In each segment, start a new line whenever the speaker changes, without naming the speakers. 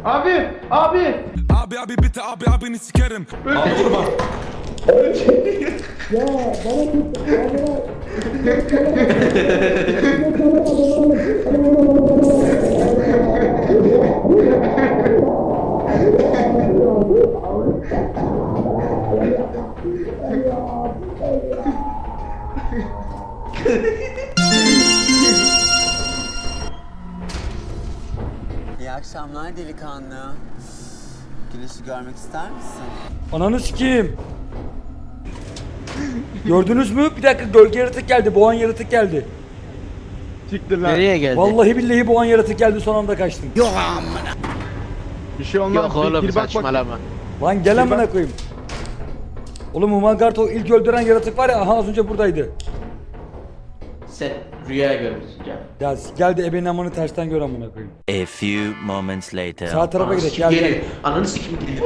Abi, abi.
Abi bitti abi abini sikerim.
Abi vurma.
İyi akşamlar delikanlı. Güneşi görmek ister misin?
Ananı sikeyim. Gördünüz mü? Bir dakika, gölge yaratık geldi. Boğan yaratık geldi.
Siktir lan.
Nereye geldi?
Vallahi billahi boğan yaratık geldi, son anda kaçtım.
Bir şey olmaz.
Yok oğlum
Gir bak bak.
saçmalama.
Lan gel amına koyayım. Oğlum Humangard o ilk öldüren yaratık var ya, aha az önce buradaydı.
Sen rüya görmüşsün canım.
Ya geldi ebenin amını tersten gör amına koyayım.
A few moments later.
Sağ tarafa gidelim, gel gel.
Ananı sikim gidelim.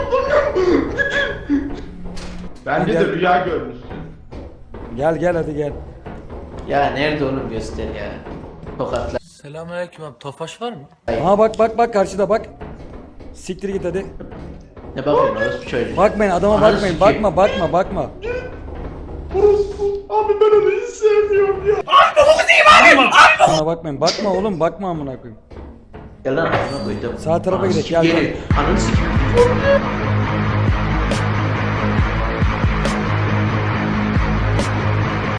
Bence de rüya görmüşsün.
Gel gel hadi gel.
Ya nerede oğlum göster ya. Tokatla.
Selamünaleyküm abi. Tofaş var mı?
Aha bak karşıda bak. Siktir git hadi.
Ne bakıyorsun orası çocuğu.
Bakmayın adama,
Ananı
bakmayın.
sikeyim.
Bakma.
Abi ben onu hiç sevmiyorum ya.
Ona bakmayın. Bakma oğlum, bakma amına koyayım.
Gel lan ağzına koydum.
Sağ tarafa
Ananı
gidelim,
sikim
gel,
geri. Ananı sikim.